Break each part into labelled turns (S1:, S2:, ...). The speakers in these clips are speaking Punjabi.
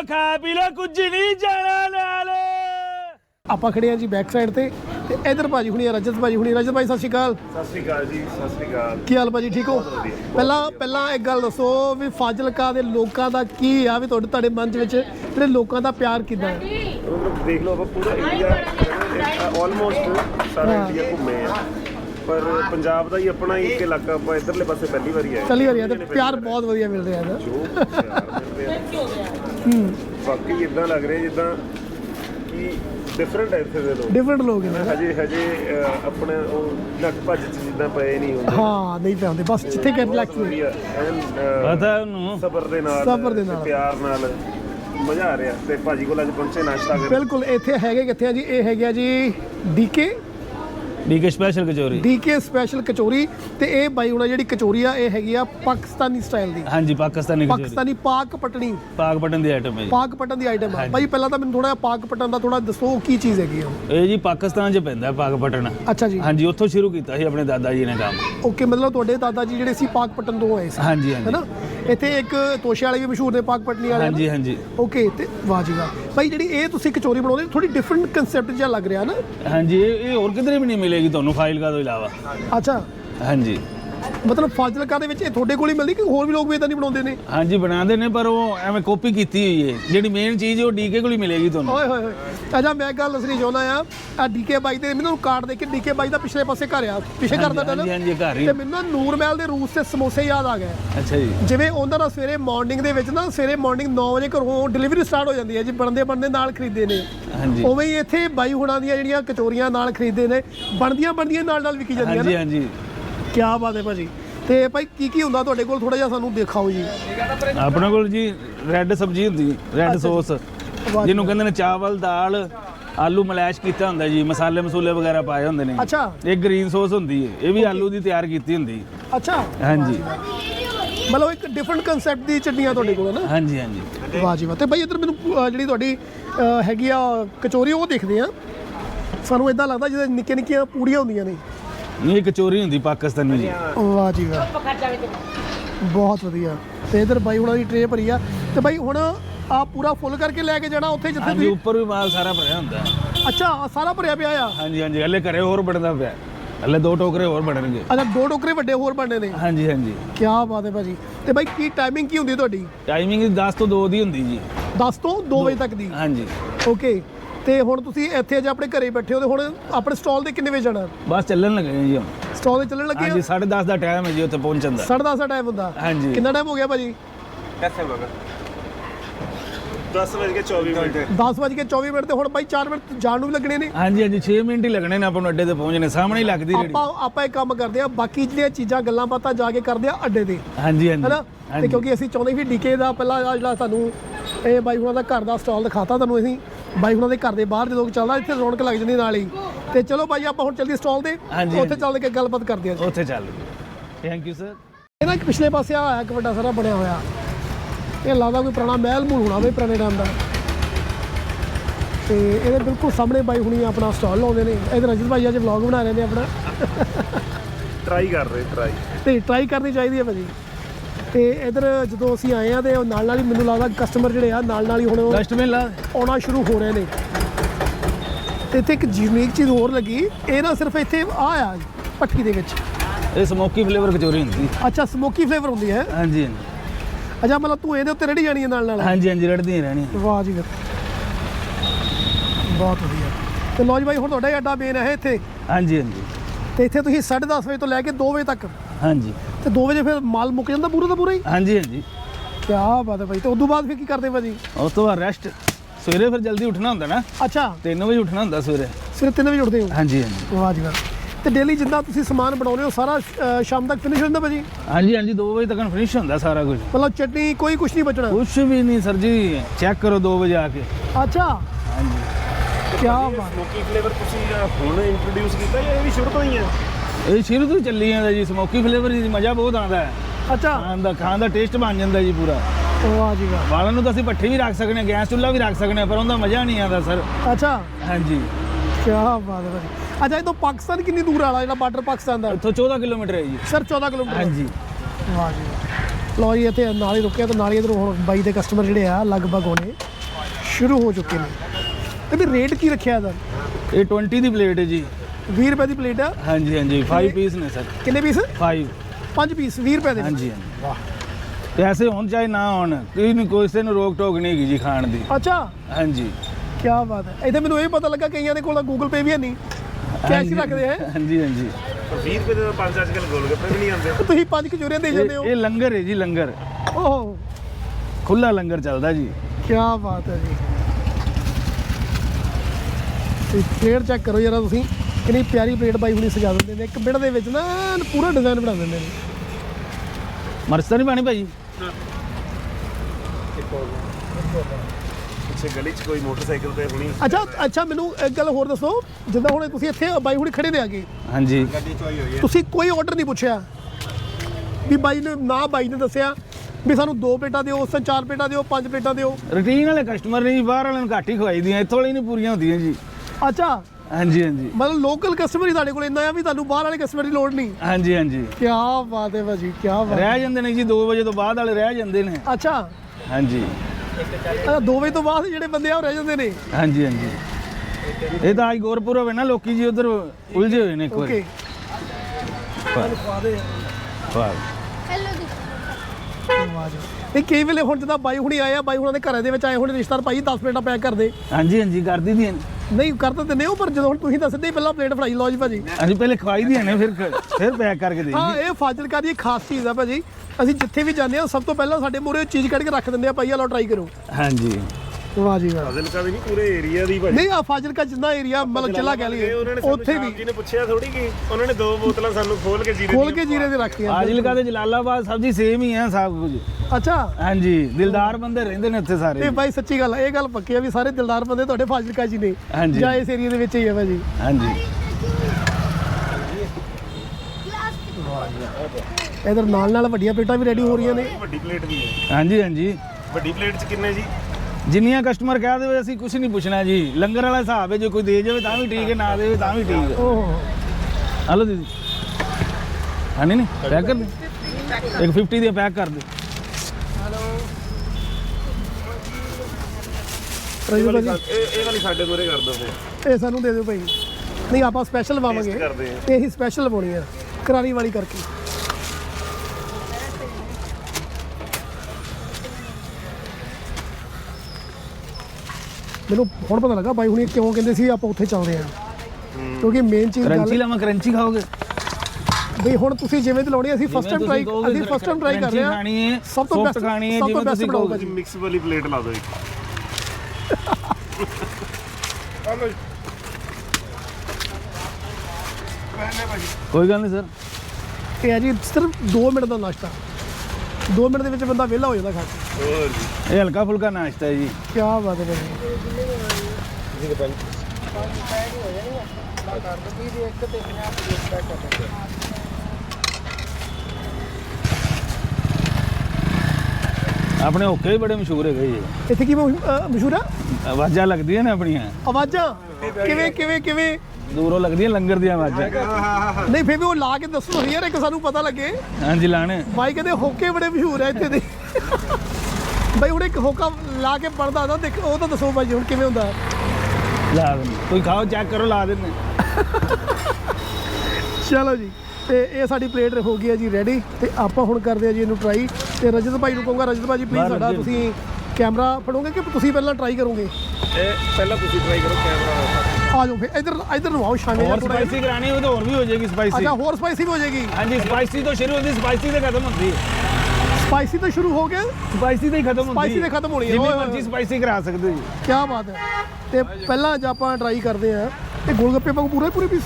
S1: ਖਾ ਪੀ ਲੋ, ਕੁਝ ਨਹੀਂ ਜਾਣਾ ਨਾਲ।
S2: ਆਪਾਂ ਖੜੇ ਆ ਜੀ ਬੈਕ ਸਾਈਡ ਤੇ ਇਧਰ ਭਾਜੀ ਹੁਣੀ ਆ, ਰਜਤ ਭਾਜੀ ਹੁਣੀ। ਰਜਤ ਭਾਈ ਸਤਿ ਸ਼੍ਰੀ ਅਕਾਲ।
S3: ਸਤਿ ਸ਼੍ਰੀ ਅਕਾਲ ਜੀ, ਸਤਿ ਸ਼੍ਰੀ ਅਕਾਲ।
S2: ਕੀ ਹਾਲ ਭਾਜੀ, ਠੀਕ ਹੋ? ਪਹਿਲਾਂ ਇੱਕ ਗੱਲ ਦੱਸੋ ਵੀ ਫਾਜ਼ਿਲਕਾ ਦੇ ਲੋਕਾਂ ਦਾ ਕੀ ਆ, ਵੀ ਤੁਹਾਡੇ ਮਨ ਦੇ ਵਿੱਚ ਜਿਹੜੇ ਲੋਕਾਂ ਦਾ ਪਿਆਰ ਕਿੱਦਾਂ ਹੈ?
S3: ਦੇਖ ਲਓ ਆਪਾਂ ਪੂਰਾ ਇੰਡੀਆ ਆਲਮੋਸਟ ਸਾਰਾ ਇੰਡੀਆ ਘੁੰਮੇ ਆ, ਪਰ ਪੰਜਾਬ ਦਾ ਹੀ ਆਪਣਾ ਹੀ ਇੱਕ ਇਲਾਕਾ ਆਪਾਂ ਇਧਰਲੇ ਪਾਸੇ ਪਹਿਲੀ ਵਾਰੀ ਆਏ।
S2: ਪਹਿਲੀ ਵਾਰੀ ਆ ਤੇ ਪਿਆਰ ਬਹੁਤ ਵਧੀਆ ਮਿਲ ਰਿਹਾ ਹੈ।
S3: ਜੋ ਪਿਆਰ ਮਿਲ ਰਿਹਾ ਬਾਕੀ ਇਦਾਂ ਲੱਗ ਰਿਹਾ ਜਿੱਦਾਂ ਕਿ ਡਿਫਰੈਂਟ ਹੈ ਇੱਥੇ ਦੇ ਲੋਕ,
S2: ਡਿਫਰੈਂਟ ਲੋਕ ਨੇ।
S3: ਹਜੇ ਆਪਣੇ ਉਹ ਨੱਕ ਭੱਜ ਚ ਜਿੱਦਾਂ ਪਏ ਨਹੀਂ ਹੁੰਦੇ।
S2: ਹਾਂ ਨਹੀਂ ਪਿਆਉਂਦੇ, ਬਸ ਜਿੱਥੇ ਕਰ ਰਿਲੈਕਸ
S1: ਪਤਾ ਉਹਨੂੰ
S3: ਸਬਰ ਦੇ ਨਾਲ ਪਿਆਰ ਨਾਲ ਮਜ਼ਾ ਆ ਰਿਹਾ। ਤੇ ਭਾਜੀ ਕੋਲ ਅੱਜ ਪਹੁੰਚੇ ਨਾਸ਼ਤਾ ਕਰਨ।
S2: ਬਿਲਕੁਲ। ਇੱਥੇ ਹੈਗੇ ਕਿੱਥੇ ਆ ਜੀ? ਇਹ ਹੈਗੇ ਆ ਜੀ
S1: DK special kachori.
S2: DK special kachori. ਤੇ ਇਹ ਬਾਈ ਹੁਣਾ ਜਿਹੜੀ ਕਚੋਰੀ ਆ ਇਹ ਹੈਗੀ ਆ ਪਾਕਿਸਤਾਨੀ ਸਟਾਈਲ ਦੀ।
S1: ਹਾਂਜੀ, ਪਾਕਿਸਤਾਨੀ
S2: ਪਾਕ ਪਟਣੀ।
S1: ਪਾਕ ਪਟਨ ਦੀ ਆਈਟਮ ਹੈ ਜੀ।
S2: ਪਾਕ ਪਟਨ ਦੀ ਆਈਟਮ ਆ ਭਾਈ। ਪਹਿਲਾਂ ਤਾਂ ਮੈਨੂੰ ਥੋੜਾ ਪਾਕ ਪਟਨ ਦਾ ਥੋੜਾ ਦੱਸੋ ਕੀ ਚੀਜ਼ ਹੈਗੀ ਆ
S1: ਇਹ ਜੀ ਪਾਕਿਸਤਾਨ 'ਚ ਪੈਂਦਾ ਪਾਕ ਪਟਨ।
S2: ਅੱਛਾ ਜੀ।
S1: ਹਾਂਜੀ, ਉੱਥੋਂ ਸ਼ੁਰੂ ਕੀਤਾ ਸੀ ਆਪਣੇ ਦਾਦਾ ਜੀ ਨੇ ਕੰਮ।
S2: ਓਕੇ, ਮਤਲਬ ਤੁਹਾਡੇ ਦਾਦਾ ਜੀ ਜਿਹੜੇ ਸੀ ਪਾਕ ਪਟਨ ਤੋਂ ਆਏ ਸੀ।
S1: ਹਾਂਜੀ
S2: ਹੈਨਾ। ਇੱਥੇ ਇੱਕ ਤੋਸ਼ੇ ਵਾਲੇ ਵੀ ਮਸ਼ਹੂਰ ਨੇ ਪਾਕ ਪਟਨੀ ਵਾਲੇ।
S1: ਹਾਂਜੀ ਹਾਂਜੀ।
S2: ਓਕੇ। ਤੇ ਵਾਹ ਜੀ ਵਾਹ ਭਾਈ, ਜਿਹੜੀ ਇਹ ਤੁਸੀਂ ਕਚੋਰੀ ਬਣਾਉਂਦੇ ਥੋੜੀ ਡਿਫਰੈਂਟ ਕੰਸੈਪਟ ਜਿਹਾ ਲੱਗ ਰਿਹਾ ਨਾ।
S1: ਹਾਂਜੀ, ਇਹ ਹੋਰ ਕਿਧਰੇ ਵੀ ਨਹੀਂ ਮਿਲੇਗੀ ਤੁਹਾਨੂੰ ਫਾਜ਼ਿਲਕਾ ਤੋਂ ਇਲਾਵਾ।
S2: ਅੱਛਾ।
S1: ਹਾਂਜੀ,
S2: ਮਤਲਬ ਫਾਜ਼ਿਲਕਾ ਦੇ ਵਿੱਚ ਇਹ ਤੁਹਾਡੇ ਕੋਲ ਹੀ ਮਿਲਦੀ ਕਿ ਹੋਰ ਵੀ ਲੋਕ ਵੀ ਇਦਾਂ ਨਹੀਂ ਬਣਾਉਂਦੇ ਨੇ?
S1: ਹਾਂਜੀ ਬਣਾਉਂਦੇ ਨੇ, ਪਰ ਉਹ ਐਵੇਂ ਕਾਪੀ ਕੀਤੀ ਹੋਈ ਹੈ। ਜਿਹੜੀ ਮੇਨ ਚੀਜ਼ ਉਹ ਡੀਕੇ ਕੋਲ ਹੀ ਮਿਲੇਗੀ ਤੁਹਾਨੂੰ।
S2: ਓਏ ਹੋਏ ਹੋਏ। ਅੱਛਾ, ਮੈਂ ਗੱਲ ਦੱਸਣੀ ਚਾਹੁੰਦਾ ਆ ਡੀਕੇ ਬਾਈ ਦੇ ਮੈਨੂੰ ਕਾਰਡ ਦੇ ਕੇ ਡੀਕੇ ਬਾਈ ਦਾ ਪਿਛਲੇ ਪਾਸੇ ਘਰ ਆ, ਪਿਛੇ ਘਰ ਦਾ ਨਾ।
S1: ਹਾਂਜੀ, ਘਰ ਹੀ।
S2: ਤੇ ਮੈਨੂੰ ਨੂਰ ਮਹਿਲ ਦੇ ਰੂਸ ਤੇ ਸਮੋਸੇ ਯਾਦ ਆ ਗਏ।
S1: ਅੱਛਾ ਜੀ।
S2: ਜਿਵੇਂ ਉਹਨਾਂ ਦਾ ਸਵੇਰੇ ਮਾਰਨਿੰਗ ਦੇ ਵਿੱਚ ਨਾ, ਸਵੇਰੇ ਮਾਰਨਿੰਗ 9 ਵਜੇ ਘਰੋਂ ਡਿਲੀਵਰੀ ਸਟਾਰਟ ਹੋ ਜਾਂਦੀ ਹੈ ਜੀ, ਬਣਦੇ ਨਾਲ ਖਰੀਦਦੇ ਨੇ।
S1: ਹਾਂਜੀ,
S2: ਉਵੇਂ ਹੀ ਇੱਥੇ ਬਾਈ ਹੁਣਾਂ ਦੀਆਂ ਜਿਹੜੀਆਂ ਕਚੋਰੀਆਂ ਨਾਲ ਖਰੀਦਦੇ ਨੇ, ਬਣਦੀਆਂ ਨਾਲ ਵਿਕੀ ਜਾਂਦੀਆਂ ਨੇ।
S1: ਹਾਂਜੀ।
S2: ਕੀ ਬਾਤ ਹੈ ਭਾਜੀ। ਤੇ ਭਾਈ ਕੀ ਹੁੰਦਾ ਤੁਹਾਡੇ ਕੋਲ? ਥੋੜਾ ਜਿਹਾ ਸਾਨੂੰ ਦਿਖਾਓ ਜੀ।
S1: ਆਪਣੇ ਕੋਲ ਜੀ ਰੈੱਡ ਸਬਜ਼ੀ ਹੁੰਦੀ, ਰੈੱਡ ਸੌਸ ਜਿਹਨੂੰ ਕਹਿੰਦੇ ਨੇ, ਚਾਵਲ ਦਾਲ ਆਲੂ ਮਲੈਸ਼ ਕੀਤਾ ਹੁੰਦਾ ਜੀ, ਮਸਾਲੇ ਵਗੈਰਾ ਪਾਏ ਹੁੰਦੇ ਨੇ।
S2: ਅੱਛਾ।
S1: ਇਹ ਗ੍ਰੀਨ ਸੌਸ ਹੁੰਦੀ ਹੈ, ਇਹ ਵੀ ਆਲੂ ਦੀ ਤਿਆਰ ਕੀਤੀ ਹੁੰਦੀ।
S2: ਅੱਛਾ।
S1: ਹਾਂਜੀ,
S2: ਮਤਲਬ ਇੱਕ ਡਿਫਰੈਂਟ ਕਨਸੈਪਟ ਦੀ ਚਟਨੀਆਂ ਤੁਹਾਡੇ ਕੋਲ ਹੈ ਨਾ।
S1: ਹਾਂਜੀ।
S2: ਵਾਹ ਜੀ ਵਾਹ। ਤੇ ਭਾਈ ਇੱਧਰ ਮੈਨੂੰ ਜਿਹੜੀ ਤੁਹਾਡੀ ਹੈਗੀ ਆ ਕਚੋਰੀ ਉਹ ਦੇਖਦੇ ਆ, ਸਾਨੂੰ ਇਦਾਂ ਲੱਗਦਾ ਜਿਵੇਂ ਨਿੱਕੀਆਂ ਪੂੜੀਆਂ ਹੁੰਦੀਆਂ ਨੇ।
S1: ਇਹ ਕਚੋਰੀ ਹੁੰਦੀ ਪਾਕਿਸਤਾਨੀ ਜੀ।
S2: ਵਾਹ ਜੀ ਵਾਹ, ਬਹੁਤ ਵਧੀਆ। ਤੇ ਇੱਧਰ ਬਾਈ ਹੁਣਾਂ ਦੀ ਟਰੇ ਭਰੀ ਆ। ਤੇ ਬਾਈ ਹੁਣ ਆ ਪੂਰਾ ਫੁੱਲ ਕਰਕੇ ਲੈ ਕੇ ਜਾਣਾ ਉੱਥੇ ਜਿੱਥੇ
S1: ਹਾਂਜੀ, ਉੱਪਰ ਵੀ ਮਾਲ ਸਾਰਾ ਭਰਿਆ ਹੁੰਦਾ।
S2: ਅੱਛਾ, ਸਾਰਾ ਭਰਿਆ ਪਿਆ ਆ?
S1: ਹਾਂਜੀ, ਹਲੇ ਘਰੇ ਹੋਰ ਬਣਦਾ ਪਿਆ, ਹਲੇ 2 ਟੋਕਰੇ ਹੋਰ ਬਣਨਗੇ।
S2: ਅੱਛਾ, 2 ਟੋਕਰੇ ਵੱਡੇ ਹੋਰ ਬਣਨੇ ਨੇ?
S1: ਹਾਂਜੀ।
S2: ਕੀ ਬਾਤ ਹੈ ਭਾਜੀ। ਤੇ ਬਾਈ ਕੀ ਟਾਈਮਿੰਗ ਕੀ ਹੁੰਦੀ ਤੁਹਾਡੀ?
S1: ਟਾਈਮਿੰਗ 10 ਤੋਂ 2 ਦੀ ਹੁੰਦੀ ਜੀ।
S2: 10 ਤੋਂ 2 ਵਜੇ ਤੱਕ ਦੀ?
S1: ਹਾਂਜੀ।
S2: ਓਕੇ। ਤੇ ਹੁਣ ਤੁਸੀਂ ਇੱਥੇ ਜੇ ਆਪਣੇ ਘਰੇ ਬੈਠੇ ਹੋ ਤੇ ਹੁਣ ਆਪਣੇ ਸਟਾਲ ਤੇ ਕਿੰਨੇ ਵਜੇ ਜਾਣਾ?
S1: ਬਸ ਚੱਲਣ ਲੱਗੇ ਜੀ ਹੁਣ।
S2: ਸਟਾਲ ਤੇ ਚੱਲਣ ਲੱਗੇ?
S1: ਹਾਂਜੀ, 10:30 ਦਾ ਟਾਈਮ ਹੈ ਜੀ ਉੱਥੇ ਪਹੁੰਚਣ ਦਾ।
S2: 10:30 ਦਾ ਟਾਈਮ ਹੁੰਦਾ?
S1: ਹਾਂਜੀ।
S2: ਕਿੰਨਾ ਟਾਈਮ ਹੋ ਗਿਆ ਭਾਜੀ?
S3: 10:24
S2: 10:24 ਤੇ ਹੁਣ ਬਾਈ 4 ਮਿੰਟ ਜਾਣ ਨੂੰ ਵੀ ਲੱਗਣੇ ਨੇ?
S1: ਹਾਂਜੀ, 6 ਮਿੰਟ ਹੀ ਲੱਗਣੇ ਨੇ ਆਪਾਂ ਨੂੰ ਅੱਡੇ ਤੇ ਪਹੁੰਚਣੇ, ਸਾਹਮਣੇ ਹੀ ਲੱਗਦੀ ਰੇੜੀ।
S2: ਆਪਾਂ ਇੱਕ ਕੰਮ ਕਰਦੇ ਆ, ਬਾਕੀ ਜਿਹੜੀਆਂ ਚੀਜ਼ਾਂ ਗੱਲਾਂ ਬਾਤਾਂ ਜਾ ਕੇ ਕਰਦੇ ਆ ਅੱਡੇ ਤੇ।
S1: ਹਾਂਜੀ।
S2: ਹੈਨਾ। ਤੇ ਕਿਉਂਕਿ ਅਸੀਂ ਚਾਹੁੰਦੇ ਵੀ ਡੀਕੇ ਦਾ ਪਹਿਲਾਂ ਜਿਹੜਾ ਤੁਹਾਨੂੰ ਇਹ ਬਾਈ ਹੁਣਾਂ ਦਾ ਘਰ ਦਾ ਸਟਾਲ ਦਿਖਾਤਾ ਤੁਹਾਨੂੰ ਅਸੀਂ, ਬਾਈ ਹੁਣਾਂ ਦੇ ਘਰ ਦੇ ਬਾਹਰ ਜਦੋਂ ਚੱਲਦਾ ਇੱਥੇ ਰੌਣਕ ਲੱਗ ਜਾਂਦੀ ਨਾਲ ਹੀ। ਤੇ ਚਲੋ ਬਾਈ ਆਪਾਂ ਹੁਣ ਚੱਲਦੇ ਸਟਾਲ ਤੇ, ਉੱਥੇ ਚੱਲ ਕੇ ਗੱਲਬਾਤ ਕਰਦੇ ਆ।
S1: ਉੱਥੇ ਚੱਲ। Thank you sir.
S2: ਇਹ ਨਾ ਇੱਕ ਪਿਛਲੇ ਪਾਸੇ ਆ ਇੱਕ ਵੱਡਾ ਸਾਰਾ ਬਣਿਆ ਹੋਇਆ, ਇਹ ਲੱਗਦਾ ਕੋਈ ਪੁਰਾਣਾ ਮਹਿਲ ਮੂਲ ਹੋਣਾ ਵੇ ਪੁਰਾਣੇ ਟਾਈਮ ਦਾ। ਤੇ ਇਹਦੇ ਬਿਲਕੁਲ ਸਾਹਮਣੇ ਬਾਈ ਹੁਣੀ ਆਪਣਾ ਸਟਾਲ ਲਾਉਂਦੇ ਨੇ। ਇਹਦੇ ਰਜਤ ਭਾਈ ਅੱਜ ਵਲੌਗ ਬਣਾ ਰਹੇ ਨੇ ਆਪਣਾ।
S3: ਟਰਾਈ ਕਰ ਰਹੇ
S2: ਤੇ ਟਰਾਈ ਕਰਨੀ ਚਾਹੀਦੀ ਹੈ ਭਾਜੀ। ਤੇ ਇਧਰ ਜਦੋਂ ਅਸੀਂ ਆਏ ਆ ਤੇ ਨਾਲ ਹੀ ਮੈਨੂੰ ਲੱਗਦਾ ਕਸਟਮਰ ਜਿਹੜੇ ਆ ਨਾਲ ਹੀ ਹੁਣ
S1: ਕਸਟਮਰ
S2: ਆਉਣਾ ਸ਼ੁਰੂ ਹੋ ਰਹੇ ਨੇ। ਤੇ ਇੱਥੇ ਇੱਕ ਯੂਨੀਕ ਚੀਜ਼ ਹੋਰ ਲੱਗੀ, ਇਹ ਨਾ ਸਿਰਫ ਇੱਥੇ ਆ ਭੱਠੀ ਦੇ ਵਿੱਚ
S1: ਇਹ ਸਮੋਕੀ ਫਲੇਵਰ ਕਚੋਰੀ ਹੁੰਦੀ।
S2: ਅੱਛਾ, ਸਮੋਕੀ ਫਲੇਵਰ ਹੁੰਦੀ ਹੈ?
S1: ਹਾਂਜੀ।
S2: ਅੱਛਾ, ਮਤਲਬ ਤੂੰ ਇਹਦੇ ਉੱਤੇ ਰੜੀ ਜਾਣੀ ਹੈ ਨਾਲ?
S1: ਹਾਂਜੀ, ਰੜਦੀ ਰਹਿਣੀ।
S2: ਵਾਹ ਜੀ ਬਹੁਤ ਵਧੀਆ। ਤੇ ਲੋ ਜੀ ਬਾਈ, ਹੁਣ ਤੁਹਾਡਾ ਹੀ ਅੱਡਾ ਮੇਨ ਹੈ ਇੱਥੇ?
S1: ਹਾਂਜੀ।
S2: ਤੇ ਇੱਥੇ ਤੁਸੀਂ 10:30 ਵਜੇ ਤੋਂ ਲੈ ਕੇ 2 ਵਜੇ ਤੱਕ?
S1: ਹਾਂਜੀ।
S2: ਤੇ 2 ਵਜੇ ਫਿਰ ਮਾਲ ਮੁੱਕ ਜਾਂਦਾ ਪੂਰਾ ਦਾ ਪੂਰਾ ਹੀ?
S1: ਹਾਂਜੀ।
S2: ਕੀ ਬਾਤ ਹੈ ਭਾਈ। ਤੇ ਉਸ ਤੋਂ ਬਾਅਦ ਫਿਰ ਕੀ ਕਰਦੇ ਭਾਜੀ?
S1: ਉਸ ਤੋਂ ਬਾਅਦ ਰੈਸਟ। ਸਵੇਰੇ ਫਿਰ ਜਲਦੀ ਉੱਠਣਾ ਹੁੰਦਾ ਨਾ।
S2: ਅੱਛਾ,
S1: 3 ਵਜੇ ਉੱਠਣਾ ਹੁੰਦਾ ਸਵੇਰੇ
S2: 3 ਵਜੇ ਉੱਠਦੇ ਹੋ?
S1: ਹਾਂਜੀ।
S2: ਵਾਹ ਜੀ ਵਾਹ। ਤੇ ਡੇਲੀ ਜਿੱਦਾਂ ਤੁਸੀਂ ਸਮਾਨ ਬਣਾਉਂਦੇ ਹੋ ਸਾਰਾ ਸ਼ਾਮ ਤੱਕ ਫਿਨਿਸ਼ ਹੁੰਦਾ ਭਾਜੀ?
S1: ਹਾਂਜੀ, 2 ਵਜੇ ਤੱਕ ਫਿਨਿਸ਼ ਹੁੰਦਾ ਸਾਰਾ ਕੁਝ।
S2: ਮਤਲਬ ਚਟਨੀ ਕੋਈ ਕੁਝ ਨਹੀਂ ਬਚਣਾ?
S1: ਕੁਝ ਵੀ ਨਹੀਂ ਸਰ ਜੀ, ਚੈੱਕ ਕਰੋ 2 ਵਜੇ ਆ ਕੇ।
S2: ਅੱਛਾ।
S1: ਹਾਂਜੀ।
S2: ਕੀ ਬਾਤ।
S3: ਸਮੋਕੀ ਫਲੇਵਰ ਤੁਸੀਂ ਹੁਣ ਇੰਟਰੋਡਿਊਸ ਕੀਤਾ ਜਾਂ ਇਹ ਵੀ ਸ਼ੁਰੂ ਤੋਂ ਹੀ ਹੈ?
S1: ਇਹ ਸ਼ੁਰੂ ਤੋਂ ਹੀ ਚੱਲੀ ਜਾਂਦਾ ਜੀ। ਸਮੋਕੀ ਫਲੇਵਰ ਦੀ ਮਜ਼ਾ ਬਹੁਤ ਆਉਂਦਾ ਹੈ।
S2: ਅੱਛਾ।
S1: ਖਾਣ ਦਾ ਟੇਸਟ ਬਣ ਜਾਂਦਾ ਜੀ ਪੂਰਾ।
S2: ਵਾਹ ਜੀ ਵਾਹ।
S1: ਵਾਲਾਂ ਨੂੰ ਤਾਂ ਅਸੀਂ ਭੱਠੀ ਵੀ ਰੱਖ ਸਕਦੇ ਹਾਂ, ਗੈਸ ਚੁੱਲ੍ਹਾ ਵੀ ਰੱਖ ਸਕਦੇ ਹਾਂ, ਪਰ ਉਹਦਾ ਮਜ਼ਾ ਨਹੀਂ ਆਉਂਦਾ ਸਰ।
S2: ਅੱਛਾ।
S1: ਹਾਂਜੀ।
S2: ਕੀ ਬਾਤ ਹੈ ਭਾਜੀ। ਅੱਛਾ, ਇਹ ਤੋਂ ਪਾਕਿਸਤਾਨ ਕਿੰਨੀ ਦੂਰ ਵਾਲਾ ਜਿਹੜਾ ਬਾਰਡਰ ਪਾਕਿਸਤਾਨ ਦਾ?
S1: ਇੱਥੋਂ 14 ਕਿਲੋਮੀਟਰ ਹੈ ਜੀ
S2: ਸਰ। 14 ਕਿਲੋਮੀਟਰ?
S1: ਹਾਂਜੀ।
S2: ਵਾਹ ਜੀ ਵਾਹ। ਲੋ ਜੀ, ਇੱਥੇ ਨਾਲ ਹੀ ਰੁਕਿਆ ਤੇ ਨਾਲ ਹੀ ਇੱਧਰੋਂ ਹੁਣ ਬਾਈ ਦੇ ਕਸਟਮਰ ਜਿਹੜੇ ਆ ਲਗਭਗ ਹੋਣੇ ਸ਼ੁਰੂ ਹੋ ਚੁੱਕੇ ਨੇ। ਤੇ ਵੀ ਰੇਟ ਕੀ ਰੱਖਿਆ ਇਹਦਾ?
S1: ਇਹ 20 ਦੀ ਪਲੇਟ ਹੈ ਜੀ।
S2: 20 ਰੁਪਏ ਦੀ ਪਲੇਟ ਆ।
S1: ਹਾਂਜੀ ਹਾਂਜੀ 5 ਪੀਸ ਨੇ ਸਰ।
S2: ਕਿੰਨੇ ਪੀਸ?
S1: 5
S2: ਪੀਸ 20 ਰੁਪਏ ਦੇ।
S1: ਹਾਂਜੀ ਹਾਂਜੀ। ਵਾਹ। ਤੇ ਐਸੇ ਹੋਣ ਚਾਹੇ ਨਾ ਹੋਣ, ਕਿਸੇ ਨੂੰ ਰੋਕ ਟੋਕ ਨਹੀਂ ਹੈਗੀ ਜੀ ਖਾਣ ਦੀ।
S2: ਅੱਛਾ
S1: ਹਾਂਜੀ
S2: ਕੀ ਬਾਤ ਹੈ। ਇੱਥੇ ਮੈਨੂੰ ਇਹ ਪਤਾ ਲੱਗਾ ਕਈਆਂ ਦੇ ਕੋਲ ਗੂਗਲ ਪੇ ਵੀ ਹੈ ਨਹੀਂ, ਕੈਸ਼ ਹੀ ਰੱਖਦੇ ਹੈ।
S1: ਹਾਂਜੀ ਹਾਂਜੀ।
S3: 20 ਰੁਪਏ ਦੇ 5 ਅੱਜ ਕੱਲ੍ਹ ਗੋਲਗੱਪੇ ਵੀ ਨਹੀਂ ਆਉਂਦੇ।
S2: ਤੁਸੀਂ 5 ਕਚੋਰੀਆਂ ਦੇ ਜਾਂਦੇ ਹੋ।
S1: ਇਹ ਲੰਗਰ ਹੈ ਜੀ, ਲੰਗਰ।
S2: ਓਹ
S1: ਖੁੱਲਾ ਲੰਗਰ ਚੱਲਦਾ ਜੀ।
S2: ਕੀ ਬਾਤ ਹੈ ਜੀ। ਤੇ ਪਲੇਟ ਚੈੱਕ ਕਰੋ ਜਰਾ ਤੁਸੀਂ, ਕਿੰਨੀ ਪਿਆਰੀ ਪਲੇਟ ਬਾਈ ਹੁਣੀ ਸਜਾ ਦਿੰਦੇ ਨੇ। ਇੱਕ ਮਿੰਟ ਦੇ ਵਿੱਚ ਨਾ ਪੂਰਾ ਡਿਜ਼ਾਈਨ ਬਣਾ ਦਿੰਦੇ ਨੇ।
S1: ਮਰਚ ਤਾਂ ਨਹੀਂ ਪਾਣੀ ਭਾਜੀ?
S3: ਪਿੱਛੇ ਗਲੀ 'ਚ ਕੋਈ ਮੋਟਰਸਾਈਕਲ ਤੇ ਹੁਣੀ।
S2: ਅੱਛਾ ਮੈਨੂੰ ਇੱਕ ਗੱਲ ਹੋਰ ਦੱਸੋ, ਜਿੱਦਾਂ ਹੁਣ ਤੁਸੀਂ ਇੱਥੇ ਬਾਈ ਹੁਣੀ ਖੜੇ ਨੇ ਆ ਕੇ,
S1: ਹਾਂਜੀ,
S2: ਤੁਸੀਂ ਕੋਈ ਆਰਡਰ ਨਹੀਂ ਪੁੱਛਿਆ ਵੀ ਬਾਈ ਨੇ ਬਾਈ ਨੇ ਦੱਸਿਆ ਵੀ ਸਾਨੂੰ 2 ਪਲੇਟਾਂ ਦਿਓ, ਉਸ ਤੋਂ 4 ਪਲੇਟਾਂ ਦਿਓ, 5 ਪਲੇਟਾਂ ਦਿਓ?
S1: ਰੂਟੀਨ ਵਾਲੇ ਕਸਟਮਰ ਨੇ ਜੀ, ਬਾਹਰ ਵਾਲਿਆਂ ਨੂੰ ਘੱਟ ਹੀ ਖਵਾਈ ਦੀਆਂ, ਇੱਥੋਂ ਵਾਲੀ ਨਹੀਂ ਪੂਰੀਆਂ ਹੁੰਦੀਆਂ ਜੀ।
S2: ਅੱਛਾ
S1: ਹਾਂਜੀ ਹਾਂਜੀ।
S2: ਮਤਲਬ ਲੋਕਲ ਕਸਟਮਰ ਹੀ ਤੁਹਾਡੇ ਕੋਲ ਇੰਨਾ ਆ ਵੀ ਤੁਹਾਨੂੰ ਬਾਹਰ ਵਾਲੇ ਕਸਟਮਰ ਦੀ ਲੋੜ ਨਹੀਂ।
S1: ਹਾਂਜੀ ਹਾਂਜੀ।
S2: ਕੀ ਬਾਤ ਹੈ ਭਾਜੀ, ਕੀ ਬਾਤ।
S1: ਰਹਿ ਜਾਂਦੇ ਨੇ ਜੀ 2 ਵਜੇ ਤੋਂ ਬਾਅਦ ਵਾਲੇ ਰਹਿ ਜਾਂਦੇ ਨੇ।
S2: ਅੱਛਾ
S1: ਹਾਂਜੀ
S2: 2 ਵਜੇ ਤੋਂ ਬਾਅਦ ਜਿਹੜੇ ਬੰਦੇ ਆ ਉਹ ਰਹਿ ਜਾਂਦੇ ਨੇ।
S1: ਹਾਂਜੀ ਹਾਂਜੀ। ਇਹ ਤਾਂ ਅੱਜ ਗੁਰਪੁਰਬ ਹੈ ਨਾ, ਲੋਕੀ ਜੀ ਉਧਰ ਉਲਝੇ ਹੋਏ ਨੇ ਇੱਕ ਵਾਰੀ।
S2: ਓਕੇ
S1: ਵਾਹ।
S2: ਨਹੀਂ ਕਈ ਵੇਲੇ ਹੁਣ ਜਿੱਦਾਂ ਬਾਈ ਹੁਣੀ ਆਏ ਆ, ਬਾਈ ਹੁਣਾਂ ਦੇ ਘਰਾਂ ਦੇ ਵਿੱਚ ਆਏ ਹੁਣ ਰਿਸ਼ਤੇਦਾਰ, ਭਾਈ 10 ਪਲੇਟਾਂ ਪੈਕ ਕਰ ਦੇ।
S1: ਹਾਂਜੀ ਹਾਂਜੀ ਕਰਦੀ ਦੀਆਂ।
S2: ਨਹੀਂ ਕਰ ਤਾਂ ਦਿੰਦੇ ਹੋ, ਪਰ ਜਦੋਂ ਹੁਣ ਤੁਸੀਂ ਦੱਸਦੇ ਪਹਿਲਾਂ ਪਲੇਟ ਫੜਾਈ ਲਓ ਜੀ ਭਾਜੀ।
S1: ਹਾਂਜੀ ਪਹਿਲੇ ਖਵਾਈ ਦੀਆਂ ਨੇ, ਫਿਰ ਪੈਕ ਕਰਕੇ ਦੇ
S2: ਹਾਂ
S1: ਜੀ।
S2: ਇਹ ਫਾਜ਼ਿਲਕਾ ਦੀ ਖਾਸ ਚੀਜ਼ ਆ ਭਾਜੀ। ਅਸੀਂ ਜਿੱਥੇ ਵੀ ਜਾਂਦੇ ਹਾਂ ਸਭ ਤੋਂ ਪਹਿਲਾਂ ਸਾਡੇ ਮੂਹਰੇ ਚੀਜ਼ ਕੱਢ ਕੇ ਰੱਖ ਦਿੰਦੇ ਆ, ਭਾਈ ਆ ਲਓ ਟਰਾਈ ਕਰੋ।
S1: ਹਾਂਜੀ
S2: ਵਾਹ ਜੀ ਵਾਹ।
S3: ਫਾਜ਼ਿਲਕਾ ਦੀ ਨਹੀਂ, ਪੂਰੇ ਏਰੀਆ ਦੀ ਭਾਜੀ।
S2: ਨਹੀਂ ਆ ਫਾਜ਼ਿਲਕਾ ਜਿੰਨਾ ਏਰੀਆ ਮਤਲਬ ਜ਼ਿਲ੍ਹਾ ਕਹਿ ਲਈਏ, ਉੱਥੇ ਵੀ
S3: ਜੀ ਨੇ ਪੁੱਛਿਆ ਥੋੜੀ ਕਿ ਉਹਨਾਂ ਨੇ 2 ਬੋਤਲਾਂ ਸਾਨੂੰ ਖੋਲ ਕੇ
S2: ਜੀਰੇ ਦੇ ਰੱਖੀਆਂ।
S1: ਫਾਜ਼ਿਲਕਾ ਤੇ ਜਲਾਲਾਬਾਦ ਸਬਜ਼ੀ ਸੇਮ ਹੀ ਹੈ ਸਭ ਕੁਝ।
S2: ਅੱਛਾ
S1: ਹਾਂਜੀ ਦਿਲਦਾਰ ਬੰਦੇ ਰਹਿੰਦੇ ਨੇ ਉੱਥੇ ਸਾਰੇ।
S2: ਤੇ ਬਾਈ ਸੱਚੀ ਗੱਲ ਇਹ ਗੱਲ ਪੱਕੀ ਆ ਵੀ ਸਾਰੇ ਦਿਲਦਾਰ ਬੰਦੇ ਤੁਹਾਡੇ ਫਾਜ਼ਿਲਕਾ ਜੀ ਨੇ,
S1: ਹਾਂਜੀ।
S2: ਜਾਂ ਇਸ ਏਰੀਆ ਦੇ ਵਿੱਚ ਹੀ ਆ ਭਾਜੀ।
S1: ਹਾਂਜੀ।
S2: ਇਧਰ ਨਾਲ ਵੱਡੀਆਂ ਪਲੇਟਾਂ ਵੀ ਰੈਡੀ ਹੋ ਰਹੀਆਂ ਨੇ।
S3: ਵੱਡੀ ਪਲੇਟ ਵੀ ਹੈ।
S1: ਹਾਂਜੀ ਹਾਂਜੀ।
S3: ਵੱਡੀ ਪਲੇਟ 'ਚ ਕਿੰਨੇ ਜੀ?
S1: ਜਿੰਨੀਆਂ ਕਸਟਮਰ ਕਹਿ ਦੇਵੇ ਅਸੀਂ ਕੁਝ ਨਹੀਂ ਪੁੱਛਣਾ ਜੀ। ਲੰਗਰ ਵਾਲਾ ਹਿਸਾਬ ਹੈ, ਜੇ ਕੋਈ ਦੇ ਜਾਵੇ ਤਾਂ ਵੀ ਠੀਕ ਹੈ, ਨਾ ਦੇਵੇ ਤਾਂ ਵੀ ਠੀਕ ਹੈ।
S2: ਓਹ
S1: ਹਲੋ ਦੀਦੀ ਹਾਂਜੀ ਨਹੀਂ ਪੈਕ ਕਰ ਦੇ, ਇੱਕ 50 ਦੀ ਪੈਕ ਕਰ ਦੇ।
S2: ਭਾਜੀ
S3: ਇਹ ਵਾਲੀ ਸਾਡੇ ਮੂਹਰੇ ਕਰ ਦਿਓ ਫਿਰ।
S2: ਇਹ ਸਾਨੂੰ ਦੇ ਦਿਓ ਭਾਈ। ਨਹੀਂ ਆਪਾਂ ਸਪੈਸ਼ਲ ਲਵਾਵਾਂਗੇ,
S3: Taste ਕਰਦੇ ਆ।
S2: ਤੇ ਇਹੀ ਸਪੈਸ਼ਲ ਲਵਾਉਣੀ ਆ ਕਰਾਰੀ ਵਾਲੀ ਕਰਕੇ। ਮੈਨੂੰ ਹੁਣ ਪਤਾ ਲੱਗਾ ਬਾਈ ਹੁਣੀ ਕਿਉਂ ਕਹਿੰਦੇ ਸੀ ਆਪਾਂ ਉੱਥੇ ਚੱਲਦੇ ਆ, ਕਿਉਂਕਿ ਮੇਨ ਚੀਜ਼
S1: ਕਰੰਚੀ ਲਾਵਾਂ, ਕਰੰਚੀ ਖਾਓਗੇ?
S2: ਬਈ ਹੁਣ ਤੁਸੀਂ ਜਿਵੇਂ ਦੀ ਲਾਉਣੀ, ਅਸੀਂ ਫਸਟ ਟਾਈਮ ਟਰਾਈ ਕਰ ਰਹੇ ਹਾਂ।
S1: ਖਾਣੀ ਹੈ,
S2: ਸਭ ਤੋਂ ਬੈਸਟ
S1: ਖਾਣੀ ਹੈ
S2: ਸਭ ਤੋਂ
S1: ਜਿਵੇਂ
S2: ਬੈਸਟ
S1: ਤੁਸੀਂ
S2: ਬਣਾਓ
S1: ਕਹੋਗੇ।
S2: ਭਾਜੀ।
S3: ਮਿਕਸ ਵਾਲੀ ਪਲੇਟ ਲਾ ਦਿਓ ਇੱਕ।
S1: ਕੋਈ ਗੱਲ ਨਹੀਂ ਸਰ।
S2: ਇਹ ਹੈ ਜੀ ਸਿਰਫ 2 ਮਿੰਟ ਦਾ ਨਾਸ਼ਤਾ, 2 ਮਿੰਟ ਦੇ ਵਿੱਚ ਬੰਦਾ ਵਿਹਲਾ ਹੋ ਜਾਂਦਾ ਖਾ ਕੇ।
S3: ਹੋਰ ਜੀ
S1: ਇਹ ਹਲਕਾ ਫੁਲਕਾ ਨਾਸ਼ਤਾ ਹੈ ਜੀ।
S2: ਕੀ ਬਾਤ ਹੈ ਭਾਜੀ।
S1: ਆਪਣੇ ਹੋਕੇ ਵੀ ਬੜੇ ਮਸ਼ਹੂਰ ਹੈਗੇ ਜੀ।
S2: ਇੱਥੇ ਕੀ ਮਸ਼ਹੂਰ ਆ?
S1: ਆਵਾਜ਼ਾਂ ਲੱਗਦੀਆਂ ਨੇ ਆਪਣੀਆਂ,
S2: ਆਵਾਜ਼ਾਂ ਕਿਵੇਂ
S1: ਦੂਰੋਂ ਲੱਗਦੀਆਂ ਲੰਗਰ ਦੀਆਂ ਆਵਾਜ਼ਾਂ।
S2: ਨਹੀਂ ਫਿਰ ਵੀ ਉਹ ਲਾ ਕੇ ਦੱਸੋ ਤੁਸੀਂ ਯਾਰ, ਇੱਕ ਸਾਨੂੰ ਪਤਾ ਲੱਗੇ।
S1: ਹਾਂਜੀ ਲਾਣੇ
S2: ਬਾਈ ਕਹਿੰਦੇ ਹੋਕੇ ਬੜੇ ਮਸ਼ਹੂਰ ਆ ਇੱਥੇ ਦੇ। ਬਾਈ ਹੁਣ ਇੱਕ ਹੋਕਾ ਲਾ ਕੇ ਪੜਦਾ ਨਾ, ਦੇਖ ਉਹ ਤਾਂ ਦੱਸੋ ਬਾਈ ਹੁਣ ਕਿਵੇਂ ਹੁੰਦਾ?
S1: ਲਾ ਦਿੰਦੇ, ਕੋਈ ਖਾਓ ਚੈੱਕ ਕਰੋ, ਲਾ ਦਿੰਦੇ।
S2: ਚਲੋ ਜੀ, ਤੇ ਇਹ ਸਾਡੀ ਪਲੇਟ ਹੋ ਗਈ ਹੈ ਜੀ ਰੈਡੀ, ਤੇ ਆਪਾਂ ਹੁਣ ਕਰਦੇ ਆ ਜੀ ਇਹਨੂੰ ਟਰਾਈ। ਤੇ ਰਜਤ ਭਾਈ ਨੂੰ ਕਹੂੰਗਾ, ਰਜਤ ਭਾਜੀ ਪਲੀਜ਼ ਸਾਡਾ ਤੁਸੀਂ ਕੈਮਰਾ ਫੜੋਗੇ ਕਿ ਤੁਸੀਂ ਪਹਿਲਾਂ ਟਰਾਈ ਕਰੋਗੇ?
S3: ਇਹ ਪਹਿਲਾਂ ਤੁਸੀਂ ਟਰਾਈ ਕਰੋ ਕੈਮਰਾ।
S2: ਆ ਜਾਓ ਫਿਰ ਇੱਧਰ ਨੂੰ ਆਓ ਸ਼ਾਮੇ।
S1: ਹੋਰ ਸਪਾਈਸੀ ਕਰਾਣੀ ਹੋਵੇ ਤਾਂ ਹੋਰ ਵੀ ਹੋ ਜਾਏਗੀ ਸਪਾਈਸੀ।
S2: ਅੱਛਾ ਹੋਰ ਸਪਾਈਸੀ ਵੀ ਹੋ ਜਾਏਗੀ?
S1: ਹਾਂਜੀ ਸਪਾਈਸੀ ਤੋਂ ਸ਼ੁਰੂ ਹੁੰਦੀ, ਸਪਾਈਸੀ ਤੇ ਖਤਮ ਹੁੰਦੀ ਹੈ।
S2: ਸਪਾਈਸੀ ਤੋਂ ਸ਼ੁਰੂ ਹੋ ਕੇ
S1: ਸਪਾਈਸੀ ਤੇ ਹੀ ਖਤਮ ਹੁੰਦੀ ਹੈ।
S2: ਸਪਾਈਸੀ ਤੇ ਖਤਮ ਹੋਣੀ ਹੈ।
S1: ਜਿੰਨੀ ਮਰਜ਼ੀ ਸਪਾਈਸੀ ਕਰਾ ਸਕਦੇ ਹੋ ਜੀ।
S2: ਕੀ ਬਾਤ ਹੈ। ਤੇ ਪਹਿਲਾਂ ਅੱਜ ਆਪਾਂ ਟਰਾਈ ਕਰਦੇ ਆ ਇਹ ਗੋਲਗੱਪੇ ਵਾਂਗ ਪੂਰੇ ਪੀਸ।